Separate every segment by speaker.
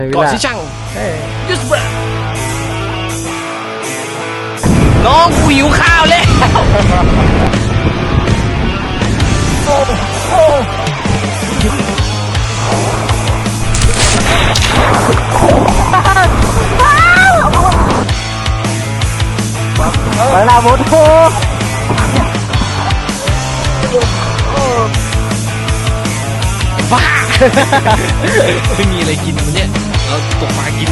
Speaker 1: ก่อนสิช่างยุสเบอร์น้องกูหิวข้าวเลย
Speaker 2: ไปละหมดโอ้
Speaker 1: บ้าไม่มีอะไรกินวันนี้เราตกปลากิน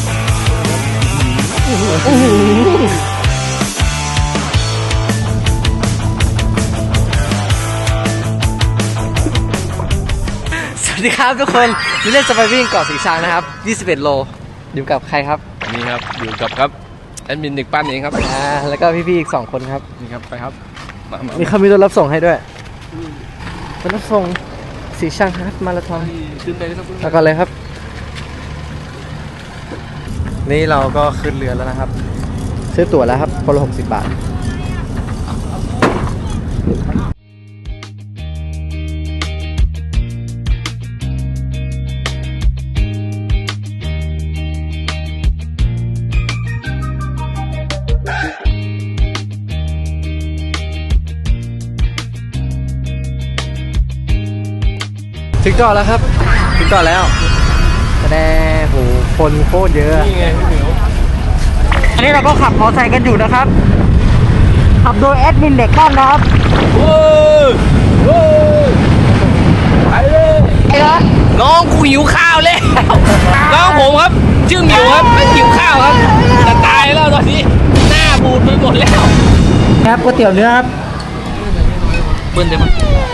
Speaker 2: สวัสดีครับทุกคนนี่เล่นจะไปวิ่งเกาะสีชังนะครับ21 โลอยู่กับใครครับ
Speaker 1: นี่ครับอยู่กับครับแอดมินเด็กปั้นเองครับ
Speaker 2: แล้วก็พี่ๆอีก2 คนครับ
Speaker 1: นี่ครับไปครับมา
Speaker 2: มีเขามีรถรับส่งให้ด้วยรถรับส่งสีชังครับมาราธอน
Speaker 1: ขึ้นไปเลยครับ
Speaker 2: แล้วก็เลยครับนี่เราก็ขึ้นเรือแล้วนะครับซื้อตั๋วแล้วครับคนละ60 บาทถึงเกาะแล้วครับถึงเกาะแล้วแน่โหคนโคตรเยอะ
Speaker 1: นี่ไงพี่เหมียว
Speaker 2: อันนี้เราก็ขับมอเตอร์ไซค์กันอยู่นะครับขับโดยแอดมินเด็กบ้านนะครับ
Speaker 1: โอ้ยโอ้ยไปเลยน้องกูหิวข้าวเลยน้องผมครับชื่อหมิวครับไม่หิวข้าวครับจะตายแล้วตอนนี้หน้าบูดไปหมดแล้ว
Speaker 2: ครับก๋วยเตี๋ยวเนื้อครับ
Speaker 1: เบิ้ลได้ไหม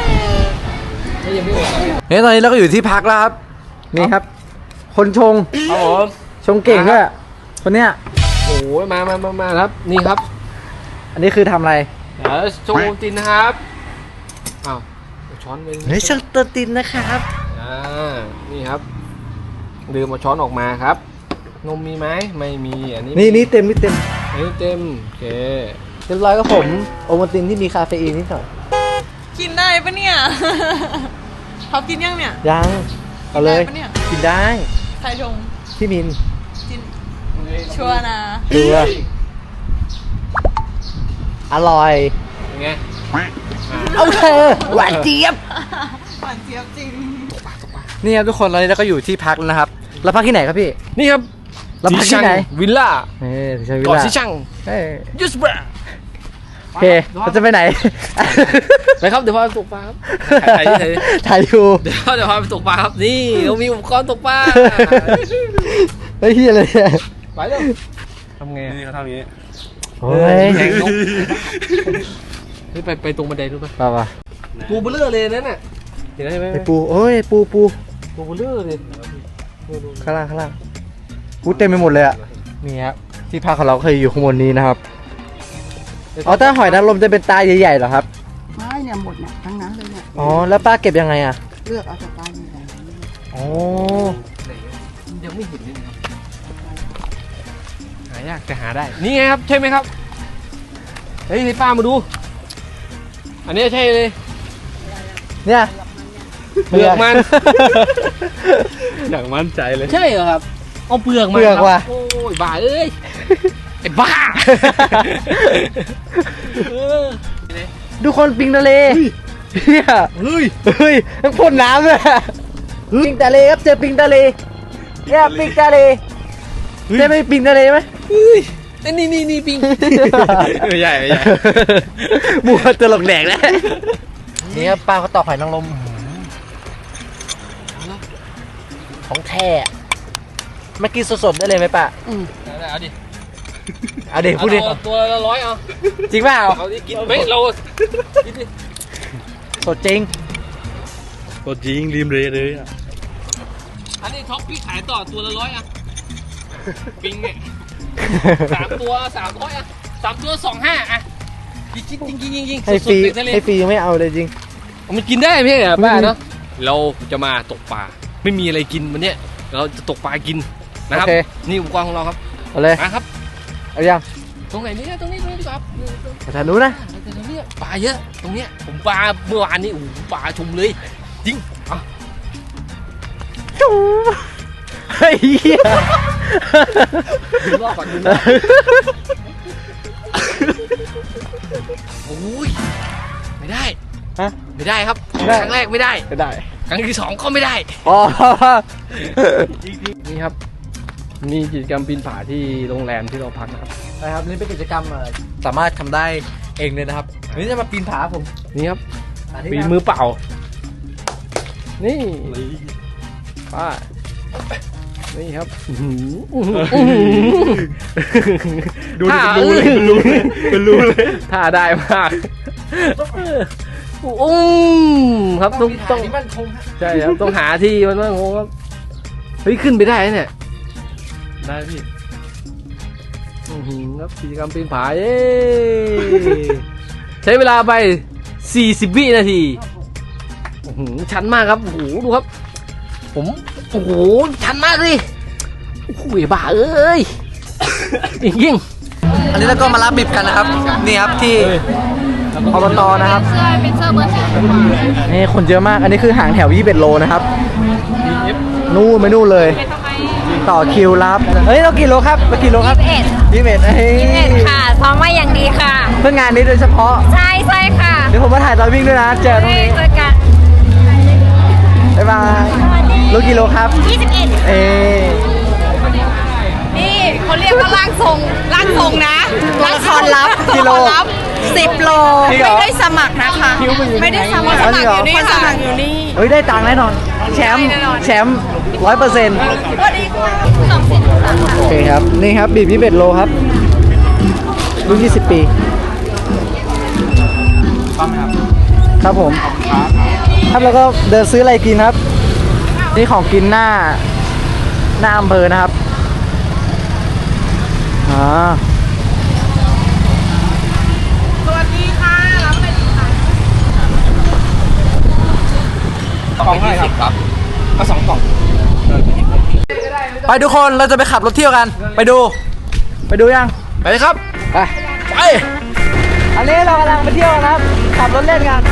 Speaker 2: เฮ้ยตอนนี้เราก็อยู่ที่พักแล้วครับนี่ครับ คนชง
Speaker 1: ครับผม
Speaker 2: ชงเก่งด้วยคนเนี้ย
Speaker 1: โอ้ยมาครับนี่ครับ
Speaker 2: อันนี้คือทำอะไร
Speaker 1: เดี๋ยวโชว์ตินนะครับอ้าวช้อนไป
Speaker 2: เฮ้ยช่างตัวตินนะครับ
Speaker 1: นี่ครับลืมเอาช้อนออกมาครับนมมีไหมไม่มีอันนี้
Speaker 2: นี่เต็มนี่เต็ม
Speaker 1: อันนี้เต็มโอเค
Speaker 2: เรียบร้อยก็ผมโอวัลตินที่มีคาเฟอีนนิดหน่อย
Speaker 3: กินได้ปะเนี่ยเขากินยังเนี่ย
Speaker 2: ยังเอาเลย
Speaker 3: กินได้ปะเนี่ย
Speaker 2: กินได้
Speaker 3: ใครชง
Speaker 2: พี่มิน
Speaker 3: กินชัวร์นะ
Speaker 2: ดูว่าอร่อย
Speaker 1: เป็นไง
Speaker 2: โอเคหวานเจี๊ยบ
Speaker 3: หวานเจี๊ยบจริง
Speaker 2: นี่ครับทุกคนตอนนี้เราก็อยู่ที่พักแล้วนะครับเราพักที่ไหนครับพี่
Speaker 1: นี่ครับ
Speaker 2: เราพักที่ไหน
Speaker 1: วิลล่า
Speaker 2: สีชังวิล
Speaker 1: เกาะ
Speaker 2: ล่า
Speaker 1: สิช่าง
Speaker 2: เอ้ย
Speaker 1: ยุสเบอร์
Speaker 2: โอเคเราจะไปไหน
Speaker 1: ไปครับเดี๋ยวพาไปตกปลาครับถ่ายที่ไหน
Speaker 2: ถ่ายอยู่
Speaker 1: เดี๋ยวพาไปตกปลาครับนี่เรามีอุปกรณ์ตกปลา
Speaker 2: เฮ้ยเฮียอะไรเนี่ย
Speaker 1: ไปเร็วทำไงนี่เขาทำอย่างนี้
Speaker 2: โอ้ย
Speaker 1: แข่งนกนี่ไปตรงบันไดรู้ป่ะ
Speaker 2: ป่ะ
Speaker 1: ปูเบลเลอร์เลยนั่นน่ะเห็นไหม
Speaker 2: ไอปูโอ้ยปู
Speaker 1: ปูเบลเลอร์เลย
Speaker 2: ข้างล่างปูเต็มไปหมดเลยอ่ะนี่ครับที่พักของเราเคยอยู่ข้างบนนี้นะครับอ๋อถ้าหอยนางรมจะเป็นตาใหญ่ๆเหรอครับ
Speaker 4: ไม่เนี่ยหมดเนี่ยทั้งนั้นเลยเนี่ย
Speaker 2: อ๋อแล้วป้าเก็บยังไงอ่ะ
Speaker 4: เลือกเอาจากปลาใหญ่ๆนี่
Speaker 2: อ๋อ
Speaker 1: ยังไม่เห็นเลยนะครับหายากแต่หาได้นี่ไงครับใช่ไหมครับเฮ้ยให้ป้ามาดู อันนี้ใช่เลย
Speaker 2: เนี่ย
Speaker 1: เปลือกมัน
Speaker 2: อย่างมั่นใจเลย
Speaker 1: ใช่เหรอครับเอาเปลือกมา
Speaker 2: เปลือก
Speaker 1: ครับ
Speaker 2: ว่ะ
Speaker 1: โอ้ยบ้าเอ้ยไอ้บ้าเออ
Speaker 2: ดูคนปิงทะเลเฮีย
Speaker 1: เฮ้ย
Speaker 2: เฮ้ยมันพ่นน้ำเลยอะปิงทะเลครับเจอปิงทะเลเนี่ยปิงทะเลเจอไม่ปิงทะเลไหม
Speaker 1: เฮ้ยนี่ปิงไม่ใหญ่
Speaker 2: มัวตลกแดกแล้วนี่ครับป้าเขาตอกหอยนางรมของแท้ไม่กินสดๆได้เลยไหมป้า
Speaker 1: เอาดิ
Speaker 2: เอาเด็กพูดดิ
Speaker 1: เอาตัวละ100เอา
Speaker 2: จริงเปล่า
Speaker 1: เขาดิกินไม่เรากินดิ
Speaker 2: สดจริง
Speaker 5: ตัวจริงริมเลยอ่ะ
Speaker 1: อันนี้ท็อปพี่ขายต่อตัวละ100อ่ะปิงเนี่ย3 ตัว300อ่ะ3 ตัว25อ่ะจริง
Speaker 2: ให้ฟรี
Speaker 1: สดๆในทะเล
Speaker 2: ให้ฟรียังไม่เอาเลยจริง
Speaker 1: มันกินได้ไหมเนี่ยป้าเนาะเราจะมาตกปลาไม่มีอะไรกินวันเนี้ยเราจะตกปลากินนะครับ
Speaker 2: โอเค
Speaker 1: นี่อุปกรณ์ของเราครับ
Speaker 2: เอาเลย
Speaker 1: มาครับ
Speaker 2: เอายัง
Speaker 1: ตรงไหนเนี่ยตรงนี้ดีกว่าครับ
Speaker 2: ไปทางนู้นนะ
Speaker 1: ตรงนี้ปลาเยอะตรงเนี้ยผมปลาเมื่อวานนี้โอ้โหปลาชุมเลยจริงอ่ะ
Speaker 2: เฮ้ยเหี้ย
Speaker 1: ดูรอบก่อนดูรอบโอ้ยไม่ได้
Speaker 2: ฮะ
Speaker 1: ไม่ได้ครับ
Speaker 2: ไม่ได้
Speaker 1: ครั้งแรกไม่ได้
Speaker 2: ก็ได้
Speaker 1: ครั้งที่สองก็ไม่ได้
Speaker 2: อ๋อ
Speaker 1: นี่ครับมีกิจกรรมปีนผาที่โรงแรมที่เราพักนะครับ
Speaker 2: นะครับนี่เป็นกิจกรรมสามารถทำได้เองเลยนะครับวันนี้จะมาปีนผาผม
Speaker 1: นี่ครับ
Speaker 2: สาธิต
Speaker 1: ปีน
Speaker 2: นะ
Speaker 1: มือเปล่า นี่ป้านี่ครับดูรู้เลยรู้เลยท่าได้มากครับต้อง
Speaker 2: นี่มันคง
Speaker 1: ใช่ครับต้องหาที่มันมั่นคงครับเฮ้ยขึ้นไปได้เนี่ย
Speaker 5: ได้พี่
Speaker 1: ครับกิจกรรมปีนผาเย้ใช้เวลาไป40 วินาทีชันมากครับโอ้โหดูครับผมโอ้โหชันมากเลยโอ้โหบ้าเอ้ยยิ่ง
Speaker 2: อันนี้เราก็มารับบิบกันนะครับนี่ครับที่อบตนะครับ
Speaker 3: เป็นเสื้อเบอร์สี
Speaker 2: นี่คนเยอะมากอันนี้คือห่างแถว21โลนะครับนู่นไปนู่นเลย
Speaker 3: ทำไม
Speaker 2: ต่อคิวรับเฮ้ยเรากี่โลครับเรากี่โลครับ21เฮ้ย
Speaker 3: ค่ะซ้อมมาอย่างดีค่ะ
Speaker 2: เพื่องานนี้โดยเฉพาะ
Speaker 3: ใช่ค่ะ
Speaker 2: เดี๋ยวผมมาถ่ายตอนวิ่งด้วยนะเจอตรงนี้
Speaker 3: เจอกัน
Speaker 2: บ๊ายบายรู้กี่โลครับ
Speaker 3: 21
Speaker 2: เอ๊ะ
Speaker 3: นี่เขาเรียกว่าร่างทรงนะตัวละครลับ
Speaker 2: กิโล
Speaker 3: 10 โล
Speaker 2: จริงเหรอ
Speaker 3: ไม่ได้สมัครนะคะ ไม่ได้สมัคร
Speaker 2: อ๋อจริงเหรอ
Speaker 3: คนสมัครอยู่นี่
Speaker 2: เฮ้ยได้ตังค์แน่นอนแชมป์
Speaker 3: ได้แน่นอน
Speaker 2: แชมป์100%
Speaker 3: สวัสดีค่ะ2
Speaker 2: โอเคครับนี่ครับบีบ21โลครับรุ่น20 ปีครับผมครับแล้วก็เดินซื้ออะไรกินครับนี่ของกินหน้าอำเภอนะครับ
Speaker 3: สวัสดีค่ะรับไปดีค่ะ
Speaker 1: กล่อง20ครับก็2 กล่อง
Speaker 2: ไปทุกคนเราจะไปขับรถเที่ยวกันไปดูยัง
Speaker 1: ไปเลยครับ
Speaker 2: ไป
Speaker 1: ไป
Speaker 2: อันนี้เรากำลังไปเที่ยวนะครับขับรถเล่นกัน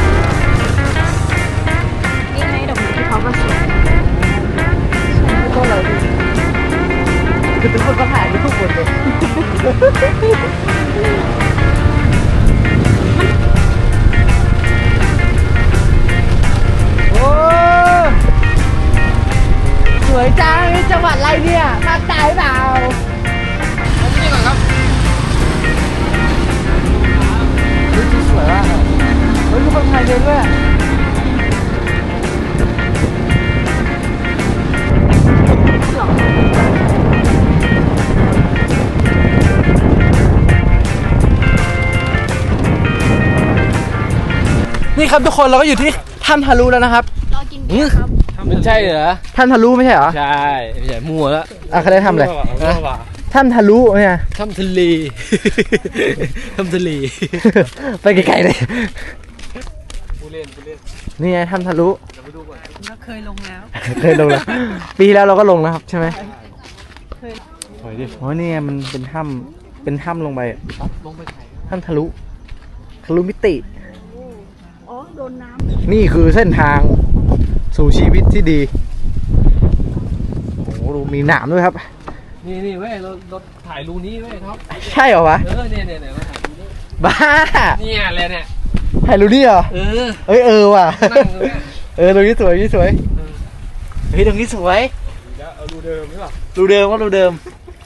Speaker 3: นี่ไงดอกไม้ที่เขาก็สวย
Speaker 2: ก็เลยคือทุกคนก็ถ่ายทุกคนเลยโอ้สวยจังนี่จังหวัดอะไรเนี่ยภาคใต้เปล่า
Speaker 1: นี่ก่อนครับ
Speaker 2: เฮ้ยสวยมากเฮ้ยมีคนไทยเดินด้วยนี่ครับทุกคนเราก็อยู่ที่ถ้ำทะลุแล้วนะครับ
Speaker 3: รอกินเบียร์ครับ
Speaker 1: มันใช่เหรอ
Speaker 2: ถ้ำทะลุไม่ใช่เหรอ
Speaker 1: ใช่ไม่ใช่มั่วแล้ว
Speaker 2: อ่ะเขาได้ทำอะไร ถ้ำทะลุเนี่ย
Speaker 1: ทำทะเลทำทะเล
Speaker 2: ไปไกลๆเลย
Speaker 1: ผู้เล่น
Speaker 2: นี่ไงถ้ำทะลุ
Speaker 3: เราเคยลงแล้ว
Speaker 2: เคยลงแล้ว ปีที่แล้วเราก็ลงนะครับใช่ไหมโอ้ยนี่ไงมันเป็นถ้ำลงไปอะ
Speaker 1: ลงไปไข่
Speaker 2: ถ้ำทะลุมิติ
Speaker 4: อ๋อ โดนน้ำ
Speaker 2: นี่คือเส้นทางสู่ชีวิตที่ดีโอ้โหดูมีหนามด้วยครับ
Speaker 1: นี่เว้ยเราถ่ายรูนี้เว้ยครับ
Speaker 2: ใช่เหรอวะ
Speaker 1: เนี่ยมาถ่ายรูนี้
Speaker 2: บ้า
Speaker 1: เนี่ยอะไรเนี่ย
Speaker 2: ถ่ายรูนี่เหรอ เอ้ยว่ะ
Speaker 1: นั่งตรงเนี้ย
Speaker 2: ตรงนี้สวยเฮ้ยตรงนี้สวย
Speaker 5: เอาดูเดิมหรือเปล่า
Speaker 2: รูเดิมว่ารูเดิม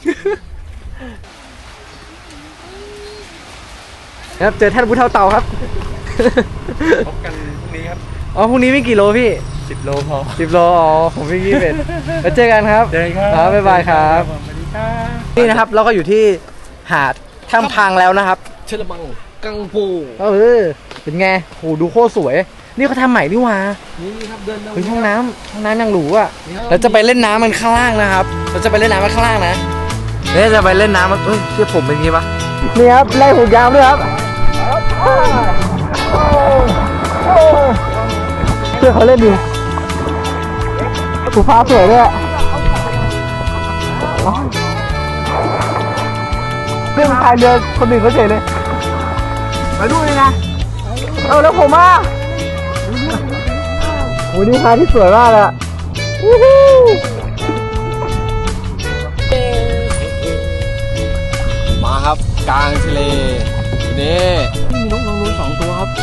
Speaker 2: ครับเจอท่านผู้เฒ่าเต่าครับ
Speaker 5: พบกันพรุ่งนี้ครับ
Speaker 2: อ๋อพรุ่งนี้วิ่งกี่โลพี่
Speaker 5: 10 โลพอ
Speaker 2: 10 โลอ๋อผมวิ่ง21แล้วเจอกันครับ
Speaker 5: เจอกันครับ
Speaker 2: ครับบ๊ายบายครับ
Speaker 5: สวัสดีครับ
Speaker 2: นี่นะครับเราก็อยู่ที่หาดถ้ำพังแล้วนะครับ
Speaker 1: เชลบังกังปู
Speaker 2: เป็นไงโหดูโคตรสวย นี่เขาทำใหม่นี่หว่า
Speaker 1: นี่ครับเดิน
Speaker 2: เฮ้ยห้องน้ำยังหรูอ่ะเราจะไปเล่นน้ำมันข้างล่างนะครับ เราจะไปเล่นน้ำมันข้างล่างนะเนี่ยจะไปเล่นน้ำมันเชื่อผมเป็นงี้ปะนี่ครับไล่หูยาวด้วยครับเชื่อเขาเล่นดีหูฟ้าสวยด้วยเรื่องพายเรือคนอื่นเขาเฉยเลยมาดูเลยนะเอาแล้วผมอ่ะโหนี่พายที่สวยมากเลยอะวู้ฮู้
Speaker 1: ครับ กลางทะเลนี่มีนกนางนวล2 ตัวครับ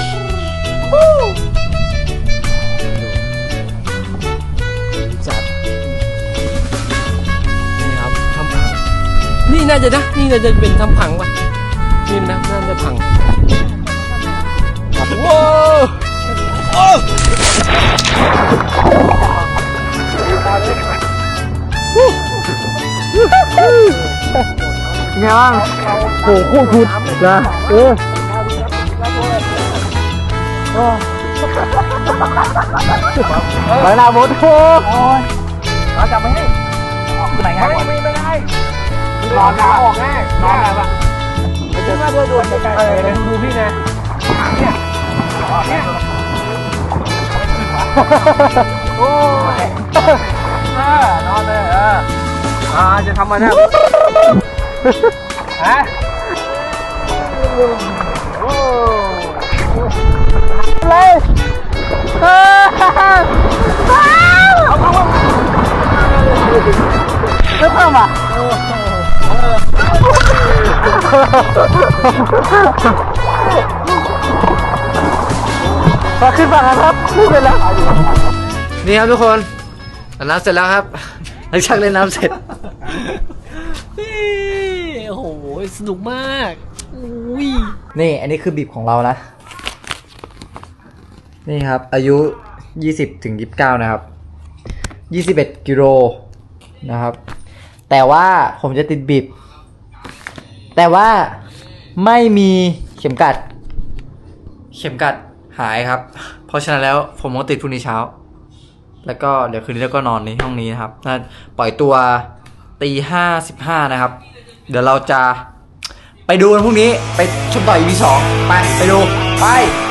Speaker 1: จัดนี่ครับทำพังนี่น่าจะเป็นทำพังป่ะนี่นะน่าจะพังว้าวโอ้
Speaker 2: ไงบ้างโหโคตรสุดนะไปหน้ามดโอ้ยจับไม่ให้ออกไหนง่ายไม่ได้นอนนะออกง่ายนอนแบบไม่ใช่ว่าโดนดูพี่นะเนี่ยโอ้ยนอนเลยจะทำมาเนี่ยฮะเลยไม่เพิ่มอ่ะมาขึ้นฝั่งกันครับขึ้นไปแล้วนี่ครับทุกคนน้ำเสร็จแล้วครับหลังจากเล่นน้ำเสร็จ
Speaker 1: โอ้โหสนุกมากอุ้ย
Speaker 2: นี่อันนี้คือบีบของเรานะ นี่ครับอายุ 20 ถึง 29 นะครับ 21 กิโลนะครับ แต่ว่าผมจะติดบีบแต่ว่าไม่มีเข็มกัดหายครับ เพราะฉะนั้นแล้วผมก็ติดพรุ่งนี้เช้า แล้วก็เดี๋ยวคืนนี้แล้วก็นอนในห้องนี้นะครับน่าปล่อยตัว5:15นะครับ เดี๋ยวเราจะไปดูกันพรุ่งนี้ไปชมต่อ EP 2ไปดูไป